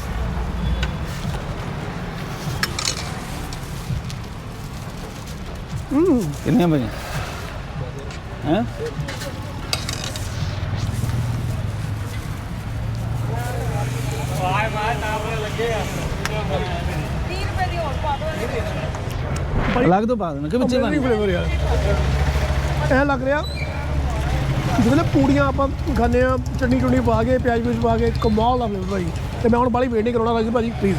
S1: ਕਿੰਨੇ ਵਜੇ ਹੈ? ਅਲੱਗ ਤੋਂ ਪਾ ਦੇਣਾ ਕਿ ਵਿੱਚੇ ਪਾਣੀ?
S2: ਫਲੇਵਰ ਯਾਰ ਇਹ ਲੱਗ ਰਿਹਾ ਜਿਵੇਂ ਪੂੜੀਆਂ ਆਪਾਂ ਖਾਂਦੇ ਆ, ਚਟਨੀ ਚੁਣੀ ਪਾ ਕੇ, ਪਿਆਜ਼ ਪਾ ਕੇ, ਕਮਾਲ ਦਾ ਫਲੇਵਰ ਭਾਈ। ਤੇ ਮੈਂ ਹੁਣ ਬਾਲੀ ਵੇਟ ਨਹੀਂ ਕਰਾਉਣਾ ਰਾਜੂ ਭਾਜੀ ਪਲੀਜ਼।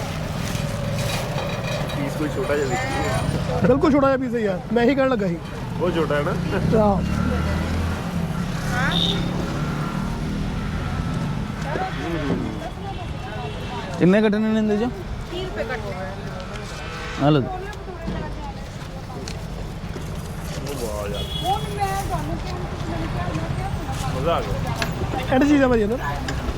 S3: ਪੀਸ ਕੋਈ ਛੋਟਾ ਜਿਹਾ ਦੇਖੀਏ।
S2: ਬਿਲਕੁਲ ਛੋਟਾ ਜਿਹਾ ਪੀਸ ਹੈ ਯਾਰ, ਮੈਂ ਹੀ ਕਹਿਣ ਲੱਗਾ ਸੀ।
S3: ਬਹੁਤ ਛੋਟਾ ਹੈ ਨਾ।
S2: ਆਹ,
S1: ਕਿੰਨੇ ਕੱਟਣੇ ਨੇ ਇਹਦੇ ਚੋਂ?
S4: 30 ਰੁਪਏ ਕੱਟ
S1: ਆ ਲਓ।
S3: ਵਾਹ ਯਾਰ
S4: ਹੁਣ ਮੈਂ ਤੁਹਾਨੂੰ ਕਿਹਾ ਮੈਨੂੰ ਕਿਹਾ
S3: ਮਜ਼ਾ ਆ ਗਿਆ।
S2: ਐਡ ਚੀਜ਼ ਆ ਭਾਜੀ ਨਾ।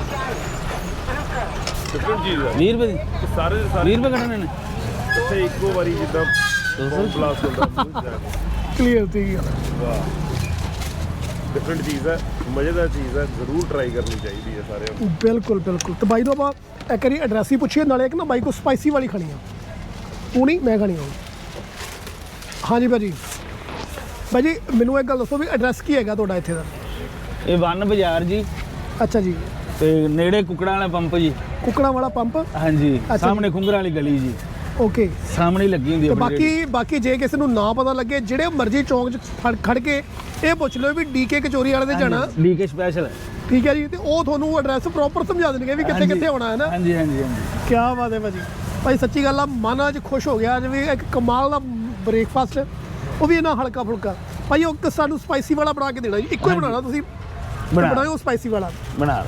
S3: ਡਿਫਰੈਂਟ ਚੀਜ਼ ਹੈ
S1: 20 ਰੁਪਏ ਦੀ?
S3: ਇਹ ਸਾਰੇ ਦੇ ਸਾਰੇ
S1: 20 ਰੁਪਏ ਕੱਟਣੇ ਨੇ?
S3: ਇੱਥੇ ਇੱਕੋ ਵਾਰੀ ਜਿੱਦਾਂ
S1: 200
S3: ਪਲਾਸ ਹੁੰਦਾ ਮੂੰਹ 'ਚ ਜਾ ਕੇ।
S2: ਕਲੀਅਰ ਤੇ ਗੱਲ
S3: ਵਾਹ ਡਿਫਰੈਂਟ ਚੀਜ਼ ਹੈ, ਮਜ਼ੇਦਾਰ ਚੀਜ਼ ਹੈ, ਜ਼ਰੂਰ ਟਰਾਈ ਕਰਨੀ ਚਾਹੀਦੀ ਹੈ ਸਾਰਿਆਂ ਨੂੰ।
S2: ਬਿਲਕੁਲ ਬਿਲਕੁਲ। ਤੇ ਬਾਈ ਤੋਂ ਆਪਾਂ ਇੱਕ ਵਾਰੀ ਐਡਰੈਸ ਹੀ ਪੁੱਛੀਏ, ਨਾਲੇ ਇੱਕ ਨਾ ਬਾਈ ਕੋ ਸਪਾਈਸੀ ਵਾਲੀ ਖਾਣੀ ਆ, ਉਹ ਨਹੀਂ ਮੈਂ ਖਾਣੀ ਆ। ਹਾਂਜੀ ਭਾਜੀ, ਭਾਜੀ ਮੈਨੂੰ ਇੱਕ ਗੱਲ ਦੱਸੋ ਵੀ ਐਡਰੈਸ ਕੀ ਹੈਗਾ ਤੁਹਾਡਾ ਇੱਥੇ ਦਾ?
S1: ਇਹ ਵਨ ਬਾਜ਼ਾਰ ਜੀ,
S2: ਅੱਛਾ ਜੀ,
S1: ਤੇ ਨੇੜੇ ਕੁਕੜਾਂ ਵਾਲਾ ਪੰਪ ਜੀ।
S2: ਕੁੱਕੜਾਂ ਵਾਲਾ ਪੰਪ,
S1: ਹਾਂਜੀ,
S2: ਜੀ।
S1: ਸਾਹਮਣੇ ਖੁੰਗਰਾਂ ਵਾਲੀ ਗਲੀ ਜੀ,
S2: ਓਕੇ।
S1: ਸਾਹਮਣੇ ਹੀ ਲੱਗੀ ਹੁੰਦੀ
S2: ਤੇ
S1: ਆਪਣੀ ਰੇਹੜੀ।
S2: ਬਾਕੀ ਜੇ ਕਿਸੇ ਨੂੰ ਨਾ ਪਤਾ ਲੱਗੇ, ਜਿਹੜੇ ਮਰਜ਼ੀ ਚੌਂਕ 'ਚ ਖੜ ਕੇ ਇਹ ਪੁੱਛ ਲਓ ਵੀ ਡੀਕੇ ਕਚੋਰੀ ਵਾਲੇ ਦੇ ਜਾਣਾ,
S1: ਡੀਕੇ ਸਪੈਸ਼ਲ।
S2: ਠੀਕ ਹੈ ਜੀ, ਤੇ ਉਹ ਤੁਹਾਨੂੰ ਐਡਰੈਸ ਪ੍ਰੋਪਰ ਸਮਝਾ ਦੇਣਗੇ ਵੀ ਕਿੱਥੇ ਕਿੱਥੇ ਹੋਣਾ ਹੈ ਨਾ।
S1: ਹਾਂਜੀ ਹਾਂਜੀ ਹਾਂਜੀ।
S2: ਕੀ ਬਾਤ ਹੈ ਭਾਜੀ, ਭਾਈ ਸੱਚੀ ਗੱਲ ਆ, ਮਨ ਅੱਜ ਖੁਸ਼ ਹੋ ਗਿਆ। ਜਿਵੇਂ ਇੱਕ ਕਮਾਲ ਦਾ ਬ੍ਰੇਕਫਾਸਟ, ਉਹ ਵੀ ਇਹਨਾਂ ਹਲਕਾ ਫੁਲਕਾ। ਭਾਈ ਉਹ ਸਾਨੂੰ ਸਪਾਈਸੀ ਵਾਲਾ ਬਣਾ ਕੇ ਦੇਣਾ ਜੀ, ਇੱਕੋ ਹੀ ਬਣਾਉਣਾ ਤੁਸੀਂ, ਬਣਾਓ ਸਪਾਈਸੀ ਵਾਲਾ।
S1: ਬਣਾ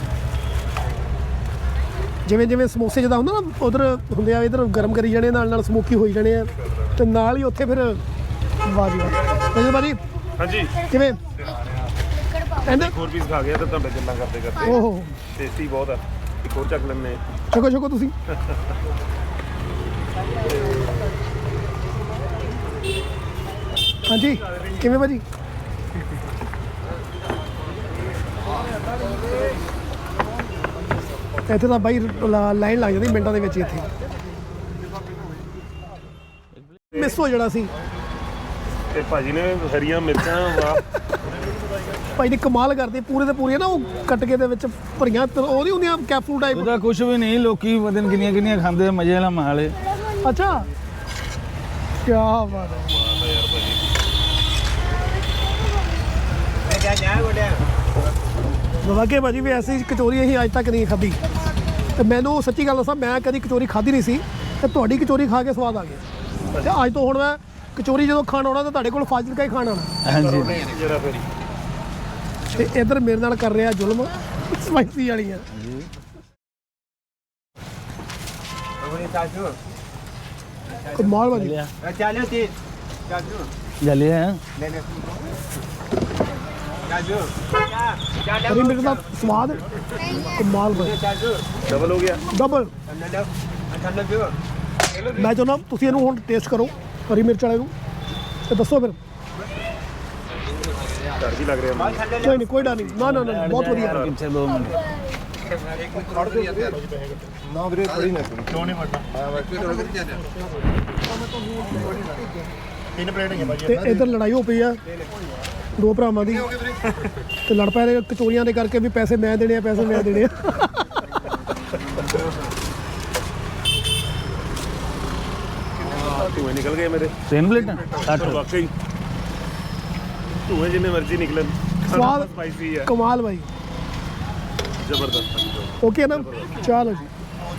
S2: ਜਿਵੇਂ ਜਿਵੇਂ ਸਮੋਸੇ ਜਿੱਦਾਂ ਹੁੰਦਾ ਨਾ, ਉਧਰ ਹੁੰਦੇ ਆ, ਇਧਰ ਗਰਮ ਕਰੀ ਜਾਣੇ, ਨਾਲ ਨਾਲ ਸਮੋਕੀ ਹੋਈ ਜਾਣੇ ਆ, ਤੇ ਨਾਲ ਹੀ ਉੱਥੇ ਫਿਰ ਵਾਹ ਜੀ ਵਾਹ। ਭਾਜੀ
S3: ਹਾਂਜੀ
S2: ਕਿਵੇਂ ਐਂਡ
S3: ਇੱਕ ਹੋਰ ਪੀਸ ਖਾ ਗਿਆ ਤਾਂ ਤੁਹਾਡੇ ਗੱਲਾਂ ਕਰਦੇ ਕਰਦੇ
S2: ਓਹੋ,
S3: ਟੇਸਟੀ ਬਹੁਤ ਆ। ਇੱਕ ਹੋਰ ਚੱਕ ਲੈਂਦੇ
S2: ਛਕੋ ਛਕੋ ਤੁਸੀਂ। ਹਾਂਜੀ ਕਿਵੇਂ ਭਾਜੀ? ਇੱਥੇ ਤਾਂ ਬਾਈ ਲਾਈਨ ਲੱਗ ਜਾਂਦੀ ਮਿੰਟਾਂ ਦੇ ਵਿੱਚ ਹੀ। ਇੱਥੇ ਮਿਸ ਹੋ ਜਾਣਾ ਸੀ।
S3: ਤੇ ਭਾਜੀ ਨੇ ਹਰੀਆਂ ਮਿਰਚਾਂ ਵਾਹ
S2: ਭਾਈ ਨੇ ਕਮਾਲ ਕਰਦੇ, ਪੂਰੇ ਤੇ ਪੂਰੀਆਂ ਨਾ ਉਹ ਕੱਟ ਕੇ ਦੇ ਵਿੱਚ ਭਰੀਆਂ, ਉਹ ਨਹੀਂ ਹੁੰਦੀਆਂ ਕੈਪਸੂਲ ਟਾਈਪ।
S1: ਉਹਦਾ ਕੁਝ ਵੀ ਨਹੀਂ, ਲੋਕੀ ਪਤਾ ਨੀ ਕਿੰਨੀਆਂ ਕਿੰਨੀਆਂ ਖਾਂਦੇ, ਮਜ਼ੇ ਵਾਲਾ ਮਾਲ ਹੈ।
S2: ਅੱਛਾ ਕੀ ਬਾਤ ਹੈ। ਵਾਕੇ ਭਾਜੀ ਵੀ ਐਸੀ ਕਚੋਰੀ ਅਸੀਂ ਅੱਜ ਤੱਕ ਨਹੀਂ ਖਾਧੀ, ਤੇ ਮੈਨੂੰ ਸੱਚੀ ਗੱਲ ਦੱਸਾਂ, ਮੈਂ ਕਦੀ ਕਚੋਰੀ ਖਾਧੀ ਨਹੀਂ ਸੀ, ਤੇ ਤੁਹਾਡੀ ਕਚੋਰੀ ਖਾ ਕੇ ਸਵਾਦ ਆ ਗਿਆ। ਤੇ ਅੱਜ ਤੋਂ ਹੁਣ ਮੈਂ ਕਚੋਰੀ ਜਦੋਂ ਖਾਣ ਆਉਣਾ ਤਾਂ ਤੁਹਾਡੇ ਕੋਲ ਫਾਜ਼ਿਲਕਾ ਹੀ ਖਾਣ ਆਉਣਾ।
S1: ਹਾਂਜੀ
S3: ਜਰਾ ਫਿਰ
S2: ਤੇ ਇੱਧਰ ਮੇਰੇ ਨਾਲ ਕਰ ਰਿਹਾ ਜ਼ੁਲਮ ਸਪਾਈਸੀ ਵਾਲੀਆਂ। ਕਮਾਲ ਭਾਜੀ,
S1: ਜਲੇ ਹੈ
S2: ਹਰੀ ਮਿਰਚ ਦਾ ਸਵਾਦ ਕਮਾਲ ਭਾਜੀ,
S3: ਡਬਲ ਹੋ ਗਿਆ।
S2: ਡਬਲ। ਮੈਂ ਚਾਹੁੰਦਾ ਤੁਸੀਂ ਇਹਨੂੰ ਹੁਣ ਟੇਸਟ ਕਰੋ ਹਰੀ ਮਿਰਚ ਵਾਲੇ ਨੂੰ, ਤੇ ਦੱਸੋ ਫਿਰ।
S3: ਡਰ ਵੀ ਲੱਗ ਰਿਹਾ ਮੈਨੂੰ।
S2: ਕੋਈ ਨਹੀਂ, ਕੋਈ ਡਰ ਨਹੀਂ, ਨਾ ਨਾ ਨਾ, ਬਹੁਤ ਵਧੀਆ।
S1: ਪਿੱਛੇ 2 ਮਿੰਟ।
S2: ਤੇ ਇੱਧਰ ਲੜਾਈ ਹੋ ਪਈ ਆ ਦੋ ਭਰਾਵਾਂ ਦੀ, ਤੇ ਲੜ ਪਏ ਨੇ ਕਚੋਰੀਆਂ ਦੇ ਕਰਕੇ ਵੀ ਪੈਸੇ ਮੈਂ ਦੇਣੇ ਆ, ਪੈਸੇ ਮੈਂ ਦੇਣੇ ਆ।
S3: ਧੂਏ ਨਿਕਲ ਗਏ ਮੇਰੇ।
S1: 3 ਪਲੇਟਾਂ 60।
S3: ਵਾਕਈ ਧੂਏ ਜਿੰਨੇ ਮਰਜ਼ੀ ਨਿਕਲਣ,
S2: ਸਵਾਦ
S3: ਸਪਾਈਸੀ ਹੈ,
S2: ਕਮਾਲ ਭਾਈ।
S3: ਜ਼ਬਰਦਸਤ।
S2: ਓਕੇ ਨਾ, ਚਲੋ ਜੀ।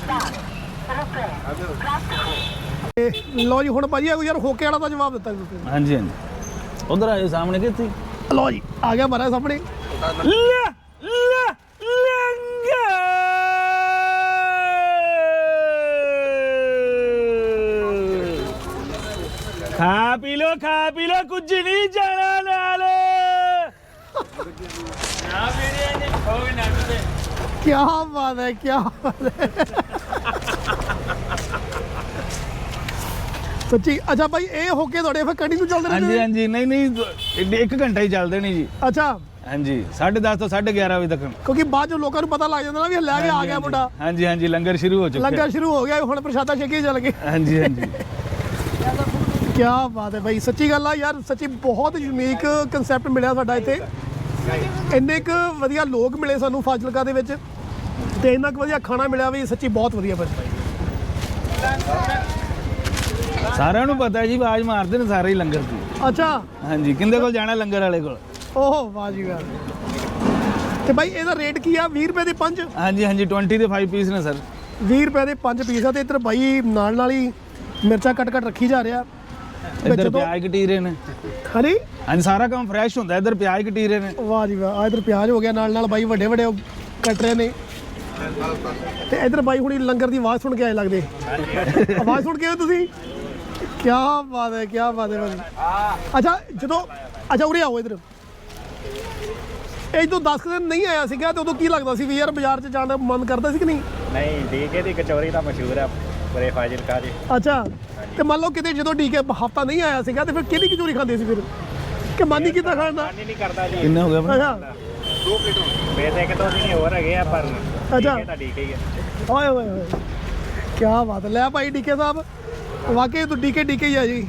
S2: ਤੇ ਲਓ ਜੀ, ਹੁਣ ਭਾਜੀ ਯਾਰ ਹੋਕੇ ਵਾਲਾ ਦਾ ਜਵਾਬ ਦਿੱਤਾ ਜੀ ਤੁਸੀਂ।
S1: ਹਾਂਜੀ ਹਾਂਜੀ, ਉਧਰ ਆਏ ਸਾਹਮਣੇ ਕਿੱਥੇ?
S2: ਲਓ ਜੀ, ਆ ਗਿਆ ਮਾਰਾ ਸਾਹਮਣੇ।
S1: ਖਾ ਪੀ ਲੋ, ਕੁਝ ਨਹੀਂ ਜਾਣਾ ਨਾਲ।
S2: ਕੀ ਬਾਤ ਹੈ, ਕੀ ਬਾਤ ਹੈ ਸੱਚੀ। ਅੱਛਾ ਭਾਈ, ਇਹ ਹੋਕੇ ਤੁਹਾਡੇ ਫਿਰ ਕੰਟੀਨਿਊ ਚੱਲਦੇ
S1: ਹਾਂਜੀ
S2: ਰਹਿੰਦੇ?
S1: ਹਾਂਜੀ, ਨਹੀਂ 1 ਘੰਟਾ ਹੀ ਚੱਲਦੇ ਨਹੀਂ ਜੀ।
S2: ਅੱਛਾ,
S1: ਹਾਂਜੀ, 10:30 ਤੋਂ 11:30 ਵਜੇ ਤੱਕ।
S2: ਕਿਉਂਕਿ ਬਾਅਦ ਚ ਲੋਕਾਂ ਨੂੰ ਪਤਾ ਲੱਗ ਜਾਂਦਾ ਨਾ ਵੀ ਲੈ ਕੇ ਆ ਗਿਆ ਮੁੰਡਾ।
S1: ਹਾਂਜੀ ਹਾਂਜੀ, ਲੰਗਰ ਸ਼ੁਰੂ ਹੋ ਚੁੱਕਾ।
S2: ਲੰਗਰ ਸ਼ੁਰੂ ਹੋ ਗਿਆ, ਹੁਣ ਪ੍ਰਸ਼ਾਦਾ ਛਕੇ ਚੱਲ ਗਏ।
S1: ਹਾਂਜੀ ਹਾਂਜੀ।
S2: ਕੀ ਬਾਤ ਹੈ ਭਾਈ, ਸੱਚੀ ਗੱਲ ਆ ਯਾਰ, ਸੱਚੀ ਬਹੁਤ ਯੂਨੀਕ ਕਨਸੈਪਟ ਮਿਲਿਆ ਸਾਡਾ ਇੱਥੇ। ਇੰਨੇ ਕੁ ਵਧੀਆ ਲੋਕ ਮਿਲੇ ਸਾਨੂੰ ਫਾਜ਼ਿਲਕਾ ਦੇ ਵਿੱਚ, ਤੇ ਇੰਨਾ ਕੁ ਵਧੀਆ ਖਾਣਾ ਮਿਲਿਆ ਵੀ, ਸੱਚੀ ਬਹੁਤ ਵਧੀਆ ਭਾਈ।
S1: ਸਾਰਿਆਂ ਨੂੰ ਪਤਾ ਜੀ, ਆਵਾਜ਼ ਮਾਰਦੇ ਨੇ ਸਾਰੇ ਹੀ ਲੰਗਰ ਦੀ।
S2: ਅੱਛਾ,
S1: ਹਾਂਜੀ, ਕਿੰਦੇ ਕੋਲ ਜਾਣਾ? ਲੰਗਰ ਵਾਲੇ ਕੋਲ।
S2: ਓਹ ਵਾਹ ਜੀ ਵਾਹ। ਤੇ ਭਾਈ ਇਹਦਾ ਰੇਟ ਕੀ ਆ? 20 ਰੁਪਏ ਦੇ 5?
S1: ਹਾਂਜੀ ਹਾਂਜੀ, 20 ਦੇ 5 ਪੀਸ ਨੇ ਸਰ।
S2: 20 ਰੁਪਏ ਦੇ 5 ਪੀਸ ਆ। ਤੇ ਇੱਧਰ ਬਾਈ ਨਾਲ ਨਾਲ ਹੀ ਮਿਰਚਾਂ ਕੱਟ ਰੱਖੀ ਜਾ ਰਿਹਾ।
S1: ਇੱਧਰ ਪਿਆਜ਼ ਕਟੀਰੇ ਨੇ।
S2: ਹਾਂਜੀ,
S1: ਹਾਂਜੀ ਸਾਰਾ ਕੰਮ ਫਰੈਸ਼ ਹੁੰਦਾ, ਇੱਧਰ ਪਿਆਜ਼ ਕਟੀ ਰਹੇ ਨੇ।
S2: ਵਾਹ ਜੀ ਵਾਹ, ਇਧਰ ਪਿਆਜ਼ ਹੋ ਗਿਆ, ਨਾਲ ਨਾਲ ਬਾਈ ਵੱਡੇ ਵੱਡੇ ਕੱਟ ਰਹੇ ਨੇ। ਤੇ ਇਧਰ ਬਾਈ ਹੁਣੀ ਲੰਗਰ ਦੀ ਆਵਾਜ਼ ਸੁਣ ਕੇ ਆਏ ਲੱਗਦੇ। ਆਵਾਜ਼ ਸੁਣ ਕੇ ਆਏ ਤੁਸੀਂ? ਕੀ ਬਾਤ ਹੈ, ਕੀ ਬਾਤ ਹੈ ਭਾਜੀ। ਅੱਛਾ ਉਰੇ ਆਓ ਇਧਰ। ਇਹ ਜਦੋਂ 10 ਦਿਨ ਨਹੀਂ ਆਇਆ ਸੀਗਾ ਤੇ ਉਦੋਂ ਕੀ ਲੱਗਦਾ ਸੀ ਵੀ ਯਾਰ ਬਾਜ਼ਾਰ 'ਚ ਜਾਣ ਦਾ ਮਨ ਕਰਦਾ ਸੀ ਕਿ ਨਹੀਂ?
S5: ਨਹੀਂ, ਡੀਕੇ ਦੀ ਕਚੌਰੀ ਤਾਂ ਮਸ਼ਹੂਰ ਹੈ ਪੂਰੇ ਫਾਜ਼ਿਲਕਾ ਦੀ।
S2: ਅੱਛਾ, ਤੇ ਮੰਨ ਲਓ ਕਿਤੇ ਜਦੋਂ ਡੀਕੇ ਹਫਤਾ ਨਹੀਂ ਆਇਆ ਸੀਗਾ ਤੇ ਫਿਰ ਕਿਹਦੀ ਕਚੌਰੀ ਖਾਂਦੇ ਸੀ ਫਿਰ? ਕਿ ਮਨ ਨਹੀਂ ਕੀਤਾ ਖਾਣ ਦਾ?
S5: ਮਨ ਹੀ ਨਹੀਂ ਕਰਦਾ ਜੀ।
S1: ਕਿੰਨਾ ਹੋ ਗਿਆ ਆਪਣਾ?
S2: ਅੱਛਾ
S5: ਵੈਸੇ ਇੱਕ ਦੋ ਦਿਨ ਹੋਰ ਹੈਗੇ ਆ ਪਰ
S2: ਅੱਛਾ।
S5: ਡੀਕੇ ਤਾਂ ਡੀਕੇ ਹੀ ਹੈ।
S2: ਓਏ ਹੋਏ ਹੋਏ, ਕੀ ਬਾਤ ਹੈ। ਲੈ ਭਾਈ ਡੀਕੇ ਸਾਹਿਬ, ਵਾਕਈ ਤੂੰ ਡੀਕੇ ਹੀ ਆ ਜੀ।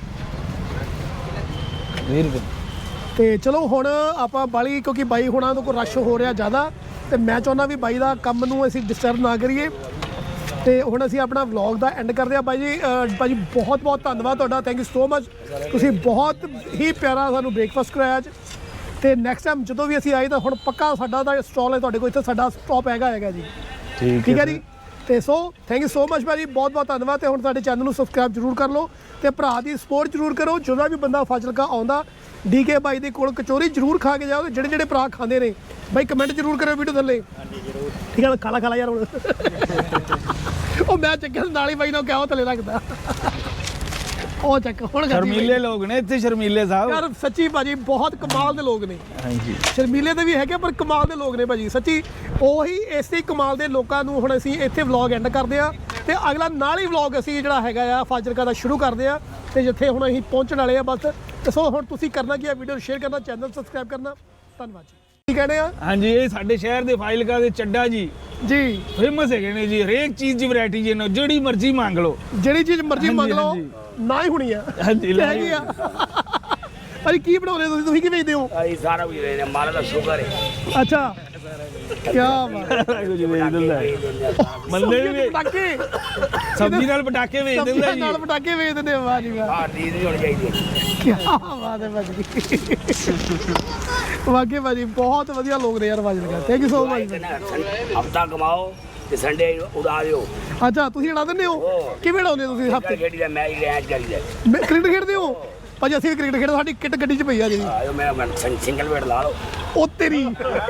S1: 20 ਰੁਪਏ।
S2: ਤੇ ਚਲੋ ਹੁਣ ਆਪਾਂ ਬਾਲੀ, ਕਿਉਂਕਿ ਬਾਈ ਹੁਣਾਂ ਤੋਂ ਕੋਈ ਰਸ਼ ਹੋ ਰਿਹਾ ਜ਼ਿਆਦਾ, ਤੇ ਮੈਂ ਚਾਹੁੰਦਾ ਵੀ ਬਾਈ ਦਾ ਕੰਮ ਨੂੰ ਅਸੀਂ ਡਿਸਟਰਬ ਨਾ ਕਰੀਏ। ਤੇ ਹੁਣ ਅਸੀਂ ਆਪਣਾ ਵਲੌਗ ਦਾ ਐਂਡ ਕਰਦੇ ਹਾਂ। ਬਾਈ ਜੀ ਬਹੁਤ ਬਹੁਤ ਧੰਨਵਾਦ ਤੁਹਾਡਾ, ਥੈਂਕ ਯੂ ਸੋ ਮਚ। ਤੁਸੀਂ ਬਹੁਤ ਹੀ ਪਿਆਰਾ ਸਾਨੂੰ ਬ੍ਰੇਕਫਾਸਟ ਕਰਾਇਆ ਅੱਜ। ਤੇ ਨੈਕਸਟ ਟਾਈਮ ਜਦੋਂ ਵੀ ਅਸੀਂ ਆਏ ਤਾਂ ਹੁਣ ਪੱਕਾ ਸਾਡਾ ਦਾ ਸਟਾਲ ਹੈ ਤੁਹਾਡੇ ਕੋਲ, ਇੱਥੇ ਸਾਡਾ ਸਟਾਪ ਹੈਗਾ ਜੀ। ਠੀਕ ਹੈ ਜੀ। ਤੇ so thank you so much ਭਾਜੀ, ਬਹੁਤ ਬਹੁਤ ਧੰਨਵਾਦ। ਤੇ ਹੁਣ ਸਾਡੇ ਚੈਨਲ ਨੂੰ ਸਬਸਕ੍ਰਾਈਬ ਜ਼ਰੂਰ ਕਰ ਲਓ ਤੇ ਭਰਾ ਦੀ ਸਪੋਰਟ ਜ਼ਰੂਰ ਕਰੋ। ਜਦੋਂ ਵੀ ਬੰਦਾ ਫਾਜ਼ਿਲਕਾ ਆਉਂਦਾ ਡੀਕੇ ਬਾਈ ਦੇ ਕੋਲ ਕਚੋਰੀ ਜ਼ਰੂਰ ਖਾ ਕੇ ਜਾਓ। ਤੇ ਜਿਹੜੇ ਭਰਾ ਖਾਂਦੇ ਨੇ ਬਾਈ ਕਮੈਂਟ ਜ਼ਰੂਰ ਕਰਿਓ ਵੀਡੀਓ ਥੱਲੇ। ਹਾਂਜੀ ਜ਼ਰੂਰ। ਠੀਕ ਹੈ, ਖਾ ਲਾ ਯਾਰ ਹੁਣ। ਉਹ ਮੈਂ ਚੱਕਿਆ ਨਾਲ ਹੀ ਬਾਈ ਨੂੰ ਕਿਹਾ ਉਹ ਥੱਲੇ ਰੱਖਦਾ। ਉਹ ਚੱਕ ਹੁਣ
S1: ਸ਼ਰਮੀਲੇ ਲੋਕ ਨੇ ਇੱਥੇ, ਸ਼ਰਮੀਲੇ ਸਾਹਿਬ
S2: ਯਾਰ ਸੱਚੀ ਭਾਜੀ ਬਹੁਤ ਕਮਾਲ ਦੇ ਲੋਕ ਨੇ।
S1: ਹਾਂਜੀ
S2: ਸ਼ਰਮੀਲੇ ਦੇ ਵੀ ਹੈਗੇ ਪਰ ਕਮਾਲ ਦੇ ਲੋਕ ਨੇ ਭਾਜੀ ਸੱਚੀ। ਉਹੀ ਇਸੇ ਕਮਾਲ ਦੇ ਲੋਕਾਂ ਨੂੰ ਹੁਣ ਅਸੀਂ ਇੱਥੇ ਵਲੌਗ ਐਂਡ ਕਰਦੇ ਆ ਤੇ ਅਗਲਾ ਨਾਲ ਹੀ ਵਲੌਗ ਅਸੀਂ ਜਿਹੜਾ ਹੈਗਾ ਆ ਫਾਜ਼ਿਲਕਾ ਦਾ ਸ਼ੁਰੂ ਕਰਦੇ ਆ। ਤੇ ਜਿੱਥੇ ਹੁਣ ਅਸੀਂ ਪਹੁੰਚਣ ਵਾਲੇ ਆ ਬਸ। ਤੇ ਸੋ ਹੁਣ ਤੁਸੀਂ ਕਰਨਾ ਕੀ ਆ, ਵੀਡੀਓ ਨੂੰ ਸ਼ੇਅਰ ਕਰਨਾ, ਚੈਨਲ ਸਬਸਕ੍ਰਾਈਬ ਕਰਨਾ। ਧੰਨਵਾਦ ਜੀ। ਕੀ ਕਹਿੰਦੇ ਆ?
S1: ਹਾਂਜੀ, ਇਹ ਸਾਡੇ ਸ਼ਹਿਰ ਦੇ ਫਾਜ਼ਿਲਕਾ ਦੇ ਚੱਡਾ ਜੀ ਫੇਮਸ ਹੈਗੇ ਨੇ ਜੀ। ਹਰੇਕ ਚੀਜ਼ ਦੀ ਵੈਰਾਈਟੀ ਜੀ, ਜਿਹੜੀ ਮਰਜ਼ੀ ਮੰਗ ਲਓ,
S2: ਜਿਹੜੀ ਚੀਜ਼ ਮਰਜ਼ੀ
S1: ਹਾਂਜੀ,
S2: ਮੰਗ ਲਓ
S1: ਹਾਂਜੀ।
S2: ਨਾ ਹੀ ਹੋਣੀ ਆ।
S1: ਹਾਂਜੀ, ਲੈ
S2: ਹੈਗੀ ਆ। ਭਾਜੀ ਕੀ ਬਣਾਉਂਦੇ ਤੁਸੀਂ ਕੀ ਵੇਚਦੇ ਹੋ?
S6: ਅਸੀਂ ਸਾਰਾ ਕੁਝ ਦੇ ਮਾਲ ਦਾ ਸ਼ੁਕਰ ਹੈ।
S2: ਅੱਛਾ, ਕੀ ਬਾਤ।
S1: ਕੁਝ ਵੇਚ ਦਿੰਦਾ ਹੈ। ਮੰਨੇ ਵੀ
S2: ਪਟਾਕੇ
S1: ਸਬਜ਼ੀ ਨਾਲ ਪਟਾਕੇ ਵੇਚ ਦਿੰਦਾ
S2: ਸਬਜ਼ੀਆਂ
S1: ਜੀ।
S2: ਨਾਲ ਪਟਾਕੇ ਵੇਚ ਦਿੰਦੇ ਆ। ਵਾਹ ਜੀ ਵਾਹ,
S6: ਆਹ ਨੀਂਦ ਨਹੀਂ ਹੋਣੀ ਚਾਹੀਦੀ।
S2: ਕੀ ਬਾਤ ਹੈ ਭਾਜੀ। ਵਾਕਈ ਭਾਜੀ ਬਹੁਤ ਵਧੀਆ ਲੋਕ ਨੇ ਯਾਰ Fazilka. Thank you so much.
S6: ਹਫਤਾ ਕਮਾਓ ਤੇ ਸੰਡੇ ਉਡਾ ਦਿਓ।
S2: ਅੱਛਾ, ਤੁਸੀਂ ਉਡਾ ਦਿੰਦੇ ਹੋ? ਕਿਵੇਂ ਉਡਾਉਂਦੇ ਹੋ ਤੁਸੀਂ ਹਫਤੇ?
S6: ਖੇਡੀ ਦਾ ਮੈਚ ਰੈਂਚ ਕਰੀਦਾ।
S2: ਕ੍ਰਿਕਟ ਖੇਡਦੇ ਹੋ? ਭਾਜੀ ਅਸੀਂ ਵੀ ਕ੍ਰਿਕਟ ਖੇਡਦੇ, ਸਾਡੀ ਕਿੱਟ ਗੱਡੀ 'ਚ ਪਈ ਆ ਜੀ।
S6: ਆਇਓ ਮੈਂ ਸਿੰਗਲ ਵੇਟ ਲਾ ਲਓ।
S2: ਉਹ ਤੇਰੀ।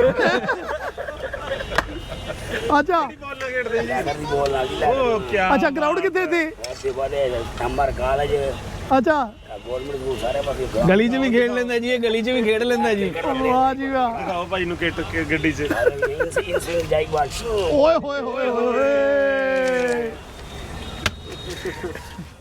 S2: ਅੱਛਾ
S6: ਲੈਦਰ ਦੀ ਬੋਲ ਨਾਲ ਦੀ
S2: ਅੱਛਾ, ਗਰਾਊਂਡ ਕਿੱਥੇ ਤੇ?
S6: ਐਸੇ ਵਾਲੇ ਨੰਬਰ ਕਾਲਜ
S2: ਅੱਛਾ,
S6: ਗਵਰਨਮੈਂਟ ਸਕੂਲ ਸਾਰੇ ਪਾਸੇ।
S1: ਗਲੀ 'ਚ ਵੀ ਖੇਡ ਲੈਂਦਾ ਜੀ, ਇਹ ਗਲੀ 'ਚ ਵੀ ਖੇਡ ਲੈਂਦਾ ਜੀ।
S2: ਵਾਹ ਜੀ ਵਾਹ।
S3: ਦਿਖਾਓ ਭਾਈ ਨੂੰ ਕਿੱਟ ਗੱਡੀ 'ਚ।
S6: ਇਨਸੇ ਜਾਈਵਾਲ
S2: ਓਏ ਹੋਏ ਹੋਏ ਹੋਏ।